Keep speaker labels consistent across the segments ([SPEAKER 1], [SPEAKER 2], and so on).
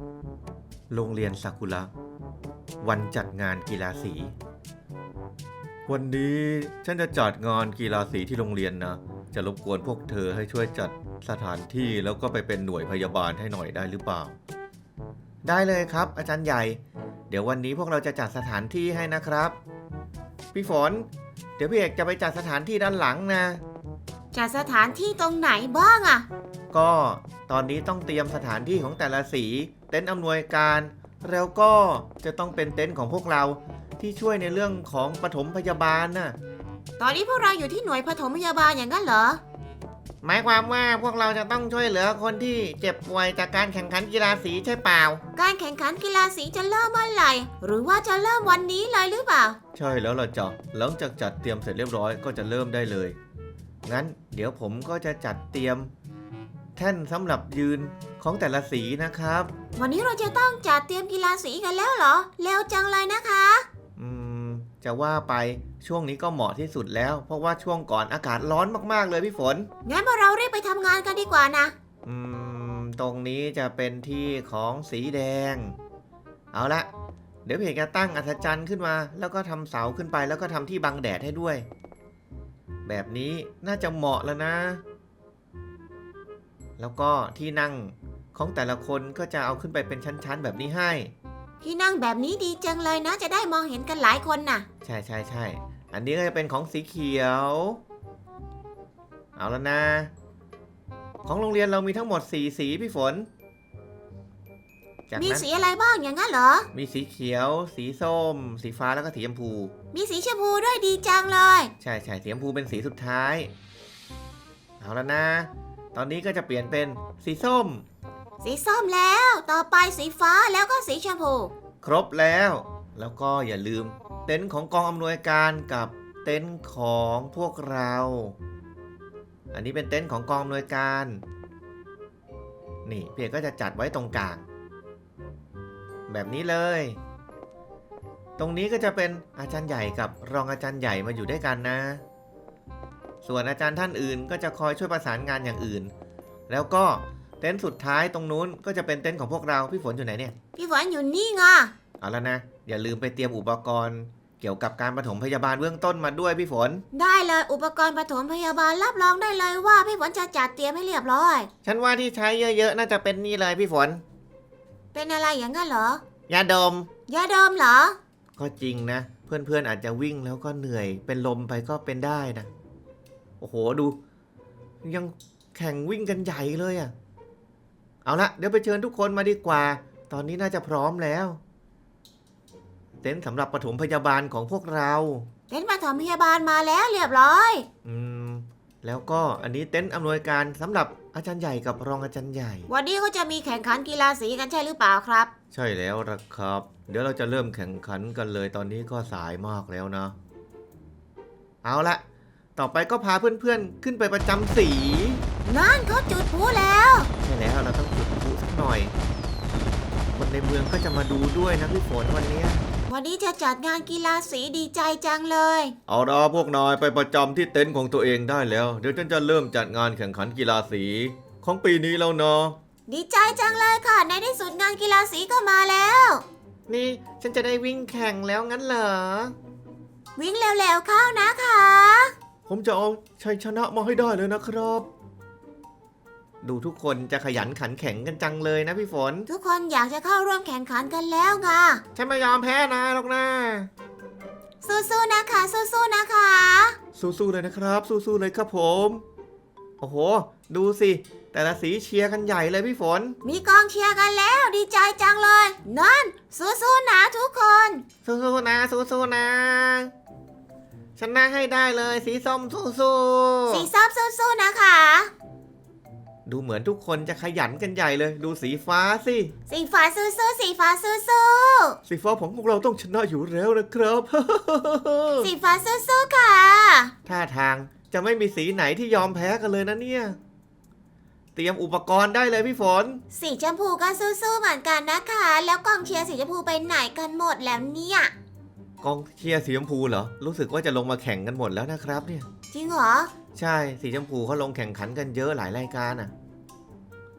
[SPEAKER 1] โรงเรียนซากุระวันจัดงานกีฬาสีวันนี้ฉันจะจัดงานกีฬาสีที่โรงเรียนนะจะรบกวนพวกเธอให้ช่วยจัดสถานที่แล้วก็ไปเป็นหน่วยพยาบาลให้หน่อยได้หรือเปล่าได้เลยครับอาจารย์ใหญ่เดี๋ยววันนี้พวกเราจะจัดสถานที่ให้นะครับพี่ฝนเดี๋ยวพี่เอกจะไปจัดสถานที่ด้านหลังนะ
[SPEAKER 2] จัดสถานที่ตรงไหนบ้างอะ
[SPEAKER 1] ก็ตอนนี้ต้องเตรียมสถานที่ของแต่ละสีเต็นท์อำนวยการแล้วก็จะต้องเป็นเต็นท์ของพวกเราที่ช่วยในเรื่องของปฐมพยาบาลน่ะ
[SPEAKER 2] ตอนนี้พวกเราอยู่ที่หน่วยปฐมพยาบาลอย่างนั้นเหรอ
[SPEAKER 1] หมายความว่าพวกเราจะต้องช่วยเหลือคนที่เจ็บป่วยจากการแข่งขันกีฬาสีใช่เปล่า
[SPEAKER 2] การแข่งขันกีฬาสีจะเริ่มเมื่อไหร่หรือว่าจะเริ่มวันนี้เลยหรือเปล่า
[SPEAKER 1] ใช่แล้วล่ะจ๊ะหลังจากจัดเตรียมเสร็จเรียบร้อยก็จะเริ่มได้เลยงั้นเดี๋ยวผมก็จะจัดเตรียมแท่นสำหรับยืนของแต่ละสีนะครับ
[SPEAKER 2] วันนี้เราจะต้องจัดเตรียมกีฬาสีกันแล้วเหรอเร็วจังเลยนะคะ
[SPEAKER 1] จะว่าไปช่วงนี้ก็เหมาะที่สุดแล้วเพราะว่าช่วงก่อนอากาศร้อนมากๆเลยพี่ฝน
[SPEAKER 2] งั้นพวกเรารีบไปทำงานกันดีกว่านะ
[SPEAKER 1] ตรงนี้จะเป็นที่ของสีแดงเอาละเดี๋ยวเพจจะตั้งอัศจรรย์ขึ้นมาแล้วก็ทำเสาขึ้นไปแล้วก็ทำที่บังแดดให้ด้วยแบบนี้น่าจะเหมาะแล้วนะแล้วก็ที่นั่งของแต่ละคนก็จะเอาขึ้นไปเป็นชั้นๆแบบนี้ให้
[SPEAKER 2] ที่นั่งแบบนี้ดีจังเลยนะจะได้มองเห็นกันหลายคนน่ะ
[SPEAKER 1] ใช่ใช่ใช่อันนี้ก็จะเป็นของสีเขียวเอาแล้วนะของโรงเรียนเรามีทั้งหมด4สีพี่ฝน
[SPEAKER 2] มีสีอะไรบ้างอย่างนั้นเหรอ
[SPEAKER 1] มีสีเขียวสีส้มสีฟ้าแล้วก็สีชมพู
[SPEAKER 2] มีสีชมพูด้วยดีจังเลย
[SPEAKER 1] ใช่ใช่สีชมพูเป็นสีสุดท้ายเอาแล้วนะตอนนี้ก็จะเปลี่ยนเป็นสีส้ม
[SPEAKER 2] แล้วต่อไปสีฟ้าแล้วก็สีชมพู
[SPEAKER 1] ครบแล้วก็อย่าลืมเต็นท์ของกองอำนวยการกับเต็นท์ของพวกเราอันนี้เป็นเต็นท์ของกองอำนวยการนี่พี่เอกก็จะจัดไว้ตรงกลางแบบนี้เลยตรงนี้ก็จะเป็นอาจารย์ใหญ่กับรองอาจารย์ใหญ่มาอยู่ด้วยกันนะส่วนอาจารย์ท่านอื่นก็จะคอยช่วยประสานงานอย่างอื่นแล้วก็เต็นท์สุดท้ายตรงนู้นก็จะเป็นเต็นท์ของพวกเราพี่ฝนอยู่ไหนเนี่ย
[SPEAKER 2] พี่ฝนอยู่นี่ไง
[SPEAKER 1] เอาแล้วนะอย่าลืมไปเตรียมอุปกรณ์เกี่ยวกับการปฐมพยาบาลเบื้องต้นมาด้วยพี่ฝน
[SPEAKER 2] ได้เลยอุปกรณ์ปฐมพยาบาลรับรองได้เลยว่าพี่ฝนจะจัดเตรียมให้เรียบร้อย
[SPEAKER 1] ฉันว่าที่ใช้เยอะๆน่าจะเป็นนี่เลยพี่ฝน
[SPEAKER 2] เป็นอะไรอย่างนั้นเหร
[SPEAKER 1] อยาดม
[SPEAKER 2] เหรอ
[SPEAKER 1] ก็จริงนะเพื่อนๆอาจจะวิ่งแล้วก็เหนื่อยเป็นลมไปก็เป็นได้นะโอ้โหดูยังแข่งวิ่งกันใหญ่เลยอ่ะเอาละเดี๋ยวไปเชิญทุกคนมาดีกว่าตอนนี้น่าจะพร้อมแล้วเต็นท์สำหรับปฐมพยาบาลของพวกเรา
[SPEAKER 2] เต็นท์ปฐมพยาบาลมาแล้วเรียบร้อย
[SPEAKER 1] แล้วก็อันนี้เต็นท์อำนวยการสำหรับอาจารย์ใหญ่กับรองอาจารย์ใหญ่
[SPEAKER 2] วันนี้เขาจะมีแข่งขันกีฬาสีกันใช่หรือเปล่าครับ
[SPEAKER 1] ใช่แล้วล่ะครับเดี๋ยวเราจะเริ่มแข่งขันกันเลยตอนนี้ก็สายมากแล้วนะเอาละต่อไปก็พาเพื่อนๆขึ้นไปประจำสี
[SPEAKER 2] นั่นเขาจุดพลุแล้ว
[SPEAKER 1] ใช่แล้วเราต้องจุดพลุสักหน่อยคนในเมืองก็จะมาดูด้วยนะพี่ฝนวันนี้
[SPEAKER 2] จะจัดงานกีฬาสีดีใจจังเลย
[SPEAKER 1] เอาล่ะพวกนายไปประจำที่เต็นท์ของตัวเองได้แล้วเดี๋ยวฉันจะเริ่มจัดงานแข่งขันกีฬาสีของปีนี้แล้วเนาะ
[SPEAKER 2] ดีใจจังเลยค่ะในที่สุดงานกีฬาสีก็มาแล้ว
[SPEAKER 1] นี่ฉันจะได้วิ่งแข่งแล้วงั้นเหรอ
[SPEAKER 2] วิ่งเร็วๆเข้านะคะ
[SPEAKER 1] ผมจะเอาชัยชนะมาให้ได้เลยนะครับดูทุกคนจะขยันขันแข็งกันจังเลยนะพี่ฝน
[SPEAKER 2] ทุกคนอยากจะเข้าร่วมแข่งขันกันแล้วไง
[SPEAKER 1] ฉันไม่ยอมแพ้นายหรอกนะ
[SPEAKER 2] สู้ๆนะคะสู้ๆนะคะ
[SPEAKER 1] สู้ๆเลยนะครับสู้ๆเลยครับผมโอ้โหดูสิแต่ละสีเชียร์กันใหญ่เลยพี่ฝน
[SPEAKER 2] มีกองเชียร์กันแล้วดีใจจังเลยนั่นสู้ๆนะทุกคน
[SPEAKER 1] สู้ๆนะสู้ๆนะชนะให้ได้เลยสีส้มสู้
[SPEAKER 2] ๆสีส้มสู้ๆนะคะ
[SPEAKER 1] ดูเหมือนทุกคนจะขยันกันใหญ่เลยดูสีฟ้าสิ
[SPEAKER 2] สีฟ้าสู้ๆสีฟ้าสู้
[SPEAKER 1] ๆสีฟ้าของพวกเราต้องชนะอยู่แล้วนะครับ
[SPEAKER 2] สีฟ้าสู้ๆค่ะ
[SPEAKER 1] ท่าทางจะไม่มีสีไหนที่ยอมแพ้กันเลยนะเนี่ยเตรียมอุปกรณ์ได้เลยพี่ฝน
[SPEAKER 2] สีชมพูก็สู้ๆเหมือนกันนะคะแล้วกองเชียร์สีชมพูไปไหนกันหมดแล้วเนี่ย
[SPEAKER 1] กองเชียร์สีชมพูเหรอรู้สึกว่าจะลงมาแข่งกันหมดแล้วนะครับเนี่ย
[SPEAKER 2] จริงเหรอ
[SPEAKER 1] ใช่สีชมพูเขาลงแข่งขันกันเยอะหลายรายการอ่ะ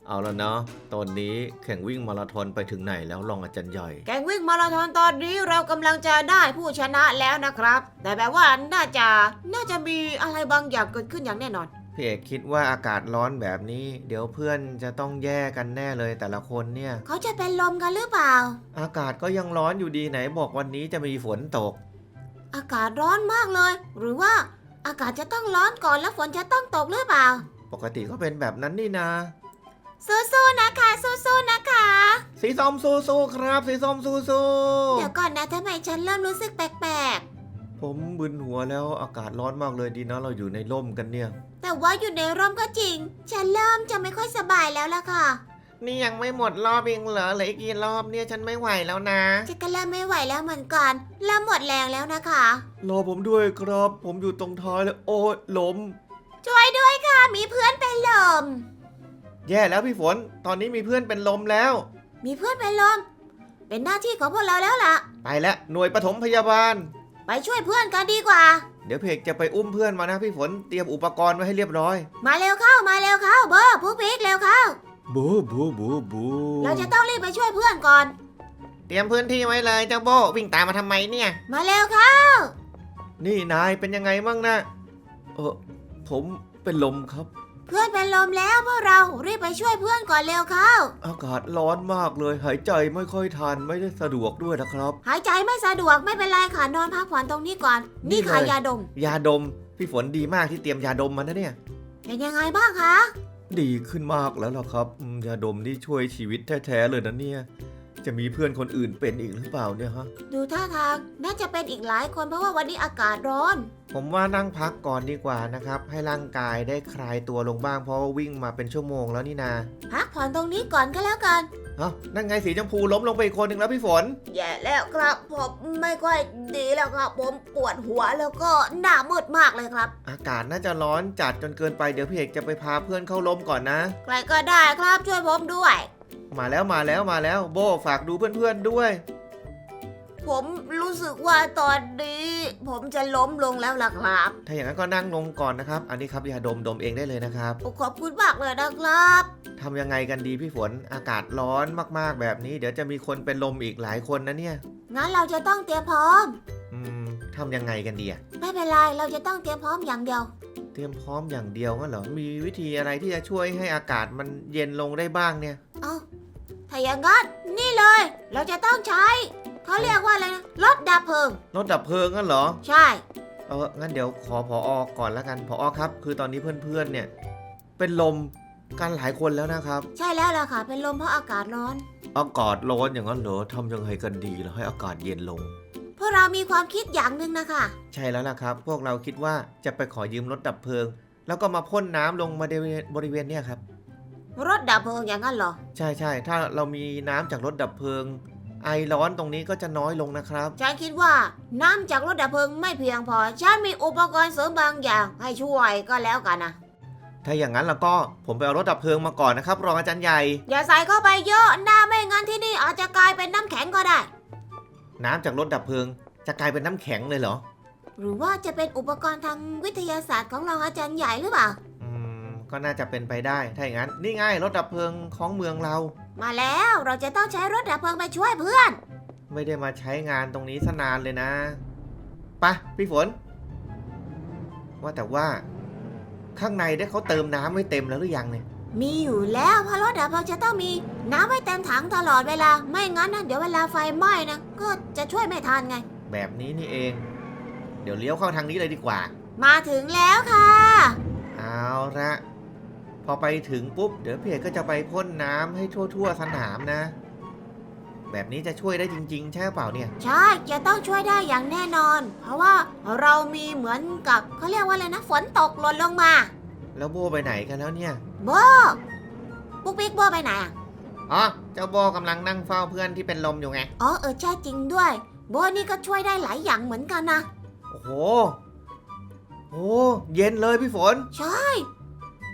[SPEAKER 1] เอาแล้วเนาะตอนนี้แข่งวิ่งมาราธอนไปถึงไหนแล้วรองอาจารย์ใหญ่
[SPEAKER 2] แข่งวิ่งมาราธอนตอนนี้เรากำลังจะได้ผู้ชนะแล้วนะครับ แต่แบบว่าน่าจะมีอะไรบางอย่างเกิดขึ้นอย่างแน่นอน
[SPEAKER 1] พี่เอกคิดว่าอากาศร้อนแบบนี้ เดี๋ยวเพื่อนจะต้องแย่กันแน่เลยแต่ละคนเนี่ย
[SPEAKER 2] เขาจะเป็นลมกันหรือเปล่า
[SPEAKER 1] อากาศก็ยังร้อนอยู่ดีไหนบอกวันนี้จะมีฝนตก
[SPEAKER 2] อากาศร้อนมากเลย หรือว่าอากาศจะต้องร้อนก่อนแล้วฝนจะต้องตกหรือเปล่า
[SPEAKER 1] ปกติก็เป็นแบบนั้นนี่นา
[SPEAKER 2] สู้ๆนะคะสู้ๆนะคะ
[SPEAKER 1] สีส้มสู้ๆครับสีส้มสู้
[SPEAKER 2] เดี๋ยวก่อนนะทำไมฉันเริ่มรู้สึกแปลก
[SPEAKER 1] ๆผมบึนหัวแล้วอากาศร้อนมากเลยดีนะเราอยู่ในร่มกันเนี่ย
[SPEAKER 2] ๆแต่ว่าอยู่ในร่มก็จริง ฉันเริ่มจะไม่ค่อยสบายแล้วล่ะค่ะ
[SPEAKER 1] นี่ยังไม่หมดรอบเองเหรอเหลืออีกกี่รอบเนี่ยฉันไม่ไหวแล้วนะ
[SPEAKER 2] ฉันก็เริ่มไม่ไหวแล้วเหมือนกันเริ่มหมดแรงแล้วนะคะ
[SPEAKER 1] รอผมด้วยครับ ผมอยู่ตรงท้ายแล้วโอ้ยล้ม
[SPEAKER 2] ช่วยด้วยค่ะมีเพื่อนเป็นลม
[SPEAKER 1] แย่แล้วพี่ฝน ตอนนี้มีเพื่อนเป็นลมแล้ว
[SPEAKER 2] มีเพื่อนเป็นลม เป็นหน้าที่ของพวกเราแล้วล่ะ
[SPEAKER 1] ไปแล้วหน่วยปฐมพยาบาล
[SPEAKER 2] ไปช่วยเพื่อนกันดีกว่า
[SPEAKER 1] เดี๋ยวเพกจะไปอุ้มเพื่อนมานะพี่ฝนเตรียมอุปกรณ์ไว้ให้เรียบร้อย
[SPEAKER 2] มาเร็วเข้ามาเร็วเข้าเบอร์ผู้พิกเร็วเข้า
[SPEAKER 1] บูบูบูบู
[SPEAKER 2] เราจะต้องรีบไปช่วยเพื่อนก่อน
[SPEAKER 1] เตรียมพื้นที่ไว้เลยเจ้าโบวิ่งตามมาทำไมเนี่ย
[SPEAKER 2] มาเร็วเข้า
[SPEAKER 1] นี่นายเป็นยังไงมั่งนะผมเป็นลมครับ
[SPEAKER 2] เพื่อนเป็นลมแล้วพวกเรารีบไปช่วยเพื่อนก่อนเร็วเข้า
[SPEAKER 1] อากาศร้อนมากเลยหายใจไม่ค่อยทันไม่ได้สะดวกด้วยนะครับ
[SPEAKER 2] หายใจไม่สะดวกไม่เป็นไรค่ะนอนพักผ่อนตรงนี้ก่อน
[SPEAKER 1] นี่
[SPEAKER 2] นี่ค่ะ
[SPEAKER 1] เลย
[SPEAKER 2] ยาดม
[SPEAKER 1] ยาดมพี่ฝนดีมากที่เตรียมยาดมมานะเนี่ย
[SPEAKER 2] เป็นยังไงบ้างคะ
[SPEAKER 1] ดีขึ้นมากแล้วล่ะครับยาดมนี่ช่วยชีวิตแท้ๆเลยนะเนี่ยจะมีเพื่อนคนอื่นเป็นอีกหรือเปล่าเนี่ยฮะ
[SPEAKER 2] ดูท่าทางน่าจะเป็นอีกหลายคนเพราะว่าวันนี้อากาศร้อน
[SPEAKER 1] ผมว่านั่งพักก่อนดีกว่านะครับให้ร่างกายได้คลายตัวลงบ้างเพราะว่าวิ่งมาเป็นชั่วโมงแล้วนี่นา
[SPEAKER 2] พักผ่อนตรงนี้ก่อนก็แล้วกัน
[SPEAKER 1] เอ้านั่นไงสีชมพูล้มลงไปอีกคนหนึ่งแล้วพี่ฝน
[SPEAKER 2] แย่แล้วครับผมไม่ค่อยดีแล้วครับผมปวดหัวแล้วก็หน้ามืดมากเลยครับ
[SPEAKER 1] อากาศน่าจะร้อนจัดจนเกินไปเดี๋ยวพี่เอกจะไปพาเพื่อนเข้าล้มก่อนนะ
[SPEAKER 2] ใครก็ได้ครับช่วยผมด้วย
[SPEAKER 1] มาแล้วโบฝากดูเพื่อนๆด้วย
[SPEAKER 2] ผมรู้สึกว่าตอนนี้ ผมจะล้มลงแล้วล่ะครับ
[SPEAKER 1] ถ้าอย่างนั้นก็นั่งลงก่อนนะครับ อันนี้ครับยาดมเองได้เลยนะครับ
[SPEAKER 2] ขอบคุณมากเลยนะครับ
[SPEAKER 1] ทำยังไงกันดีพี่ฝนอากาศร้อนมากๆแบบนี้ เดี๋ยวจะมีคนเป็นลมอีกหลายคนนะเนี่ย
[SPEAKER 2] งั้นเราจะต้องเตรียมพร้อม
[SPEAKER 1] ทำยังไงกันดีอะ
[SPEAKER 2] ไม่เป็นไรเราจะต้องเตรียมพร้อมอย่างเดียว
[SPEAKER 1] เตรียมพร้อมอย่างเดียวงั้นเหรอมีวิธีอะไรที่จะช่วยให้อากาศมันเย็นลงได้บ้างเนี่ย
[SPEAKER 2] เอาถ้าอย่างนั้นนี่เลย เราจะต้องใช้เขาเรียกว่าอะไรนะรถดับเพลิง
[SPEAKER 1] รถดับเพลิงงั้นเหรอ
[SPEAKER 2] ใช่
[SPEAKER 1] งั้นเดี๋ยวขอผอก่อนละกันผอครับ คือตอนนี้เพื่อนๆเนี่ย เป็นลมกันหลายคนแล้วนะครับ
[SPEAKER 2] ใช่แล้วล่ะค่ะ เป็นลมเพราะอากาศร้อน
[SPEAKER 1] อากาศร้อนอย่างนั้นเหรอทำยังไงกันดีแล้วให้อากาศเย็นลง
[SPEAKER 2] พวกเรามีความคิดอย่างหนึ่งนะคะ
[SPEAKER 1] ใช่แล้วล่ะครับ พวกเราคิดว่าจะไปขอยืมรถดับเพลิง แล้วก็มาพ่นน้ำลงมาบริเวณเนี่ยครับ
[SPEAKER 2] รถดับเพลิงอย่างนั้นเหรอ
[SPEAKER 1] ใช่ถ้าเรามีน้ำจากรถดับเพลิง ไอร้อนตรงนี้ก็จะน้อยลงนะครับ
[SPEAKER 2] ฉันคิดว่าน้ำจากรถดับเพลิงไม่เพียงพอ ฉันมีอุปกรณ์เสริมบางอย่างให้ช่วยก็แล้วกันนะ
[SPEAKER 1] ถ้าอย่างนั้นแล้วก็ผมไปเอารถดับเพลิงมาก่อนนะครับรองอาจารย์ใหญ่
[SPEAKER 2] อย่าใส่เข้าไปเยอะน้าไม่งั้นที่นี่อาจจะกลายเป็นน้ำแข็งก็ได้
[SPEAKER 1] น้ำจากรถดับเพลิง จะกลายเป็นน้ำแข็งเลยเหรอ
[SPEAKER 2] หรือว่าจะเป็นอุปกรณ์ทางวิทยาศาสตร์ของรองอาจารย์ใหญ่หรือเปล่า
[SPEAKER 1] ก็น่าจะเป็นไปได้ ถ้าอย่างนั้นนี่ไงรถดับเพลิงของเมืองเรา
[SPEAKER 2] มาแล้วเราจะต้องใช้รถดับเพลิงไปช่วยเพื่อน
[SPEAKER 1] ไม่ได้มาใช้งานตรงนี้ซะนานเลยนะไปะพี่ฝน ว่าแต่ว่า ข้างในได้เขาเติมน้ำไว้เต็มแล้วหรือยังเนี่ย
[SPEAKER 2] มีอยู่แล้วเพราะรถดับเพลิงจะต้องมีน้ำไว้เต็มถังตลอดเวลา ไม่งั้นนะเดี๋ยวเวลาไฟไหม้นะก็จะช่วยไม่ทันไง
[SPEAKER 1] แบบนี้นี่เอง เดี๋ยวเลี้ยวเข้าทางนี้เลยดีกว่า
[SPEAKER 2] มาถึงแล้วค่ะ
[SPEAKER 1] เอาละพอไปถึงปุ๊บเดี๋ยวพี่เอกก็จะไปพ่นน้ำให้ทั่วๆสนามนะ แบบนี้จะช่วยได้จริงๆ ใช่เปล่าเนี่ย
[SPEAKER 2] ใช่จะต้องช่วยได้อย่างแน่นอน เพราะว่าเรามีเหมือนกับเขาเรียกว่าอะไรนะฝนตกหล่นลงมา
[SPEAKER 1] แล้วโบไปไหนกันแล้วเนี่ย
[SPEAKER 2] โบปุ๊กปิ๊กโบไปไหนอ่ะ
[SPEAKER 1] อ๋อเจ้าโบกำลังนั่งเฝ้าเพื่อนที่เป็นลมอยู่ไง
[SPEAKER 2] อ๋อใช่จริงด้วย โบนี่ก็ช่วยได้หลายอย่างเหมือนกันนะ
[SPEAKER 1] โอ้โห เย็นเลยพี่ฝน
[SPEAKER 2] ใช่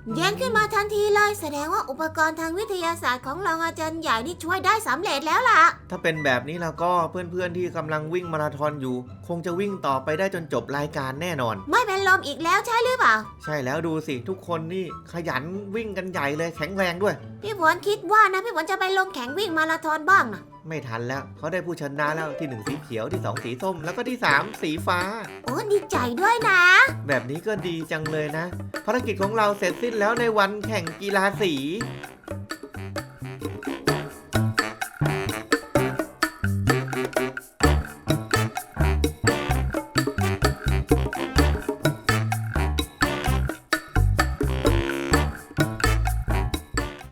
[SPEAKER 2] เย็นขึ้นมาทันทีเลยแสดงว่าอุปกรณ์ทางวิทยาศาสตร์ของรองอาจารย์ใหญ่นี่ช่วยได้สำเร็จแล้วล่ะ
[SPEAKER 1] ถ้าเป็นแบบนี้แล้วก็เพื่อนๆที่กำลังวิ่งมาราธอนอยู่ คงจะวิ่งต่อไปได้จนจบรายการแน่นอน
[SPEAKER 2] ไม่เป็นลมอีกแล้วใช่หรือเปล่า
[SPEAKER 1] ใช่แล้วดูสิทุกคนนี่ขยันวิ่งกันใหญ่เลยแข็งแรงด้วย
[SPEAKER 2] พี่ฝนคิดว่านะพี่ฝนจะไปลงแข่งวิ่งมาราธอนบ้างนะ
[SPEAKER 1] ไม่ทันแล้วเขาได้ผู้ชนะแล้วที่1สีเขียวที่2สีส้มแล้วก็ที่3สีฟ้า
[SPEAKER 2] โอ้ดีใจด้วยนะ
[SPEAKER 1] แบบนี้ก็ดีจังเลยนะภารกิจของเราเสร็จสิ้นแล้วในวันแข่งกีฬาสี